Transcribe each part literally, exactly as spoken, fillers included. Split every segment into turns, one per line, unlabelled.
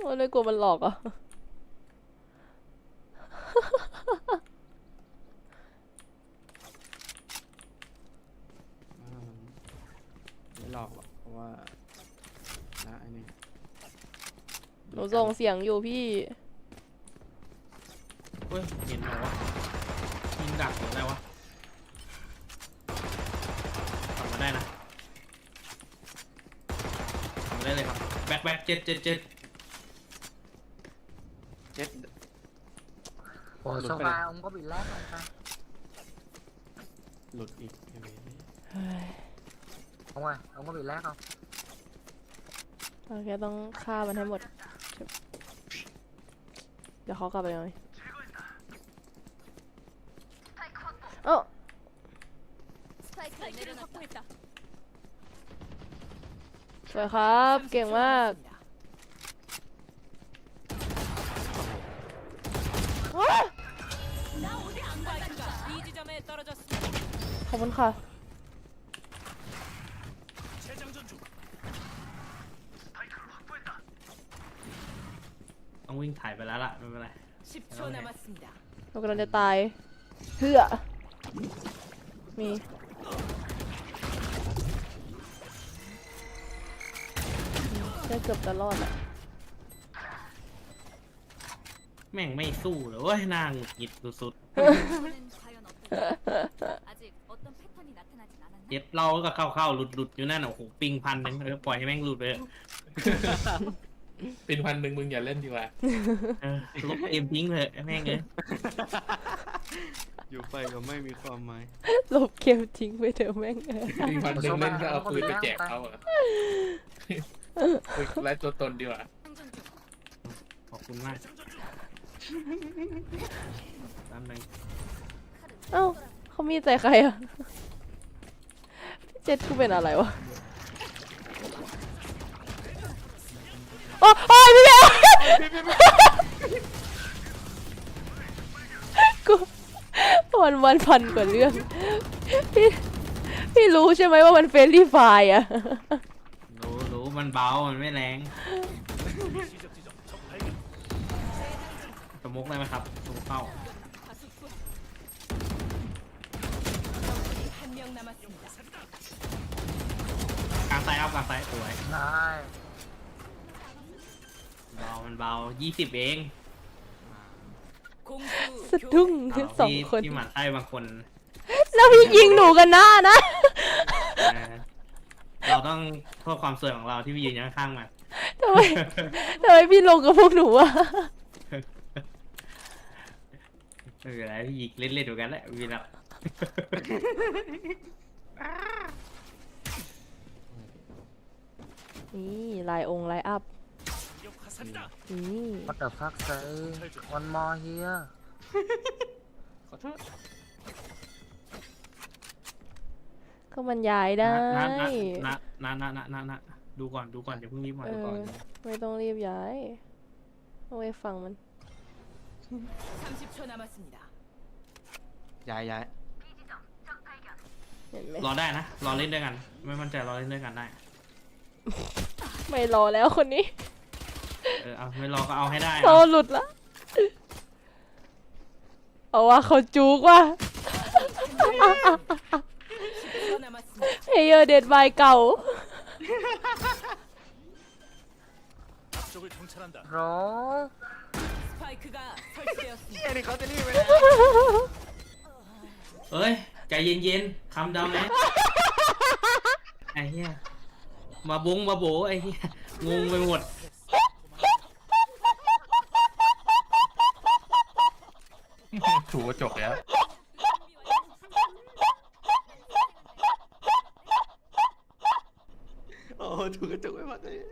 มันเลยกลัวมันหลอกอ่ะ
ไม่หลอกหรอกเพราะว่านะไอ้นี่
หนูส่งเสียงอยู่พี่
เฮ้ยเห็นเหรอวะยิงดักหรืออะไรวะทำมาได้นะทำมาได้เลยครับแบ็คแบ็คเจ็ดเจ็ดเจ็ด
เจ็ด
Ủa sao ba ông có bị lag không ta?
หลุดอีกไอ้เว้ย
Ông ơi, ông có bị lag không?
เราแค่ต้องฆ่ามันให้หมดเดี๋ยวเขากลับไปเลยเอ้าสวยครับเก่งมากขอบคุณค่ะ
ต้องวิ่งถ่ายไปแล้วล่ะไม่เป็นไร
เรากำลังจะตายเพื่อมีได้เกือบจะรอดอ่ะ
แม่งไม่สู้เลยเว้ยนางหงุดหงิดสุดๆเจ็บเราก็เข้าเข้าหลุดหลุดอยู่นั่นโอ้โหปิงพันหนึ่งเออปล่อยให้แม่งหลุดไป
เป็นพันหนึ่งมึงอย่าเล่นดีกว่า
ลบเกมทิ้งเลยแม่งเลย
อยู่ไปก็ไม่มีความหมาย
ลบเกมทิ้งไปเถอะแม่ง
เป็นพันหนึ่งเล่นก็เอาปืนไปแจกเขาอ่ะไล่ตัวตนดีกว่า
ขอบคุณมากตามนึง
เอ้าเขามีใจใครอ่ะพี่เจ็ดกูเป็นอะไรวะโอ้โอ้ยพี่เบลกูวันวันพันกว่าเรื่องพี่พี่รู้ใช่ไหมว่ามันเฟรนลี่ไฟร์อ่ะ
รู้รู้มันเบามันไม่แรงสมุกได้ไหมครับสมุกเข้ากลางไซด์เอากลางไซด์สวย
Này
เบามันเบายี่สิบเอง
สะดุ้งสองคน
ที่หมั่นไส้บางคน
แล้วพี่ยิงหนูกันหน้านะ
เราต้องเพื่อความสวยของเราที่พี่ยืนข้างๆมัน
ทำไมทำไมพี่ลงกับพวกหนูอะ
ไม่เป็นไรพี่ยิงเล่นๆดูกันแหละวีละ
นี่ลายองค์ลายอัพนี่
What the fuck say One more here
ขอโทษ
ก็บรรยายได้
นะนะนะนะนะนะนะดูก่อนดูก่อนอย่าเพิ่งรีบมาดูก่อน
ไม่ต้องรีบย้ายเอาไว้ฟังมัน
ย้ายย้าย
รอได้นะรอเล่นด้วยกันไม่มั่นใจรอเล่นด้วยกันได้
ไม่รอแล้วคนนี้
เออเอาไม่รอก็เอาให้ได้
โซหลุดละเอาว่าเขาจูกว่ะเฮเยอร์เดดบายเก่า
โร
เอ้ยนี่เขาจะรีบไปแล้ว
เอ้ยใจเย็นๆคำดำนะไอ้เหี้ยมาบุ้งมาโบไอ้เหี้ยงงไปหมด
ถูกกระจกแล้ว
โอ้ถูกกระจกไม่มาเลย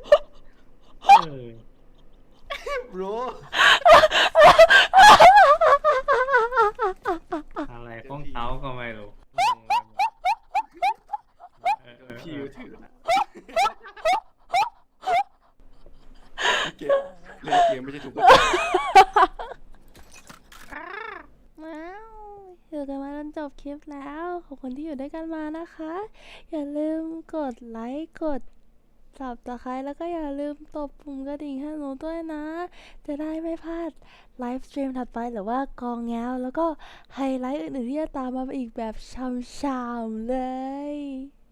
โบร
อะไรของเขาก็ไม่รู้
พี่ก็ถือนะเกมเล่นเกมไม่ใช่ถูก
ว้าวอยู่กันมาจนจบคลิปแล้วขอบคุณที่อยู่ด้วยกันมานะคะอย่าลืมกดไลค์กดสับตะไคร้แล้วก็อย่าลืมตบปุ่มกระดิ่งให้หนูด้วยนะ จะได้ไม่พลาดไลฟ์สตรีมถัดไปหรือว่ากองแง้วแล้วก็ไฮไลท์อื่นๆที่จะตามมาอีกแบบช่ำๆเลย